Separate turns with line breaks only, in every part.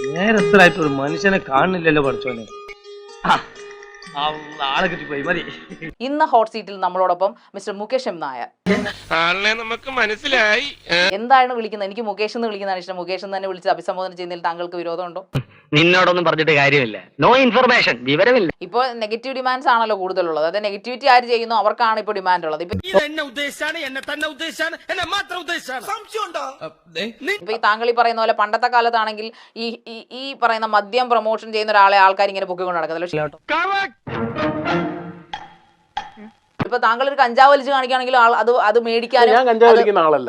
നേരത്തിലായിട്ട് ഒരു മനുഷ്യനെ കാണുന്നില്ലല്ലോ പഠിച്ചോനെ. ആളെ കിട്ടിപ്പോയി മതി.
ഇന്ന് ഹോട്ട് സീറ്റിൽ നമ്മളോടൊപ്പം മിസ്റ്റർ മുകേഷ് എം നായർ.
ആളിനെ നമുക്ക് മനസ്സിലായി.
എന്താണ് വിളിക്കുന്നത്? എനിക്ക് മുകേഷ് എന്ന് വിളിക്കുന്നതാണ് ഇഷ്ടം. മുകേഷ് എന്ന് തന്നെ വിളിച്ച് അഭിസംബോധന ചെയ്യുന്നതിൽ താങ്കൾക്ക് വിരോധമുണ്ടോ?
നിന്നോടൊന്നും പറഞ്ഞിട്ട് കാര്യമില്ല. നോ ഇൻഫർമേഷൻ, വിവരമില്ല.
ഇപ്പൊ നെഗറ്റീവ് ഡിമാൻഡ്സ് ആണല്ലോ കൂടുതലുള്ളത്. അതായത് നെഗറ്റിവിറ്റി ആര് ചെയ്യുന്നു അവർക്കാണ് ഇപ്പൊ ഡിമാൻഡ് ഉള്ളത്. ഇപ്പൊ ഈ താങ്കൾ ഈ പറയുന്ന പോലെ പണ്ടത്തെ കാലത്താണെങ്കിൽ ഈ പറയുന്ന മദ്യം പ്രൊമോഷൻ ചെയ്യുന്ന ഒരാളെ ആൾക്കാർ ഇങ്ങനെ പൊക്കിക്കൊണ്ട് നടക്കത്തില്ല. ഇപ്പൊ താങ്കൾ ഒരു കഞ്ചാവ് വലിച്ച് കാണിക്കുകയാണെങ്കിൽ അത് മേടിക്കാനും.
ഞാൻ കഞ്ചാവ് വലിക്കുന്ന ആളല്ല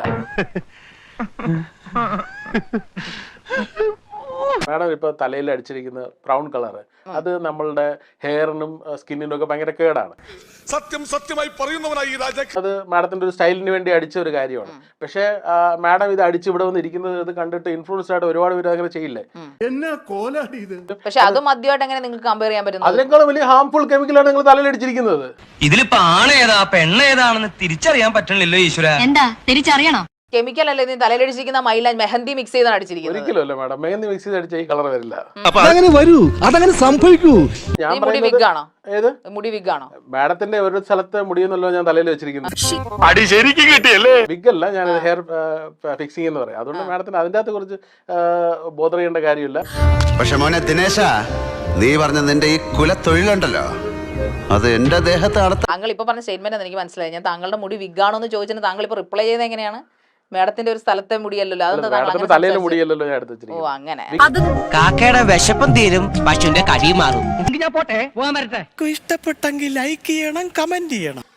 മാഡം. ഇപ്പൊ തലയിൽ അടിച്ചിരിക്കുന്ന ബ്രൗൺ കളർ അത് നമ്മളുടെ ഹെയറിനും സ്കിന്നിനും ഒക്കെ ഭയങ്കര കേടാണ്.
സത്യമായി പറയുന്നവനായി
അത് മാഡത്തിന്റെ ഒരു സ്റ്റൈലിന് വേണ്ടി അടിച്ച ഒരു കാര്യമാണ്. പക്ഷെ മാഡം ഇത് അടിച്ച് ഇവിടെ വന്നിരിക്കുന്നത് ഇത് കണ്ടിട്ട് ഇൻഫ്ലുവൻസ് ആയിട്ട് ഒരുപാട് പേര് അങ്ങനെ ചെയ്യില്ലേ?
പക്ഷെ അത് മദ്യമായിട്ട് എങ്ങനെ നിങ്ങൾക്ക് കമ്പയർ ചെയ്യാൻ പറ്റും?
അതിനേക്കാളും വലിയ ഹാംഫുൾ കെമിക്കലാണ് നിങ്ങൾ തലയിൽ അടിച്ചിരിക്കുന്നത്.
ഇതിലിപ്പോ ആണേതാ പെണ്ണേതാണെന്ന് തിരിച്ചറിയാൻ പറ്റണില്ലല്ലോ ഈശ്വര.
എന്താ തിരിച്ചറിയണോ?
കെമിക്കൽ അല്ലേ നീ തലയിലടിച്ചിരിക്കുന്ന മൈലാഞ്ച് മെഹന്തി മിക്സ് ചെയ്താണ് അടിച്ചിരിക്കുന്നത്.
ഒരിക്കലും അല്ല മാഡം, മെഹന്തി മിക്സ് ചെയ്ത് അടിച്ച ഈ കളർ വരില്ല.
അതങ്ങനെ സംഭവിക്കൂ.
ഞാൻ
മുടി വിഗാണോ?
ഏത്
മുടി വിഗാണോ?
മാഡത്തിന്റെ ഒരു സ്ഥലത്തെ മുടിയെന്നല്ലോ ഞാൻ തലയിൽ വെച്ചിരിക്കുന്നത്.
അടി ശരിക്കും കിട്ടിയല്ലേ?
വിഗല്ല, ഞാൻ ഹെയർ ഫിക്സിംഗ് എന്ന് പറയാം. അതുകൊണ്ട് മാഡത്തിന് അതിന്റെ അകത്ത് കുറച്ച് ബോധർ ചെയ്യേണ്ട കാര്യമില്ല.
പക്ഷെ മോനെ ദിനേശ, നീ പറഞ്ഞ നിന്റെ ഈ കുലത്തൊഴിലുണ്ടല്ലോ, അത് എന്റെ ദേഹത്താണ്.
താങ്കൾ ഇപ്പൊ പറഞ്ഞ സ്റ്റേറ്റ്മെന്റ് എനിക്ക് മനസ്സിലായി. ഞാൻ താങ്കളുടെ മുടി വിഗാണോ എന്ന് ചോദിച്ചിട്ട് താങ്കൾ ഇപ്പൊ റിപ്ലൈ ചെയ്യുന്നത് എങ്ങനെയാണ്? മാഡത്തിന്റെ ഒരു സ്ഥലത്തെ മുടിയല്ലോ, അതൊന്നും
തലയിലെ മുടിയല്ലോ ഞാൻ എടുത്ത്
ഓ അങ്ങനെ.
കാക്കയുടെ വിശപ്പം തീരും, പശുവിന്റെ കടി മാറും.
ഇഷ്ടപ്പെട്ടെങ്കിൽ ലൈക്ക് ചെയ്യണം, കമന്റ് ചെയ്യണം.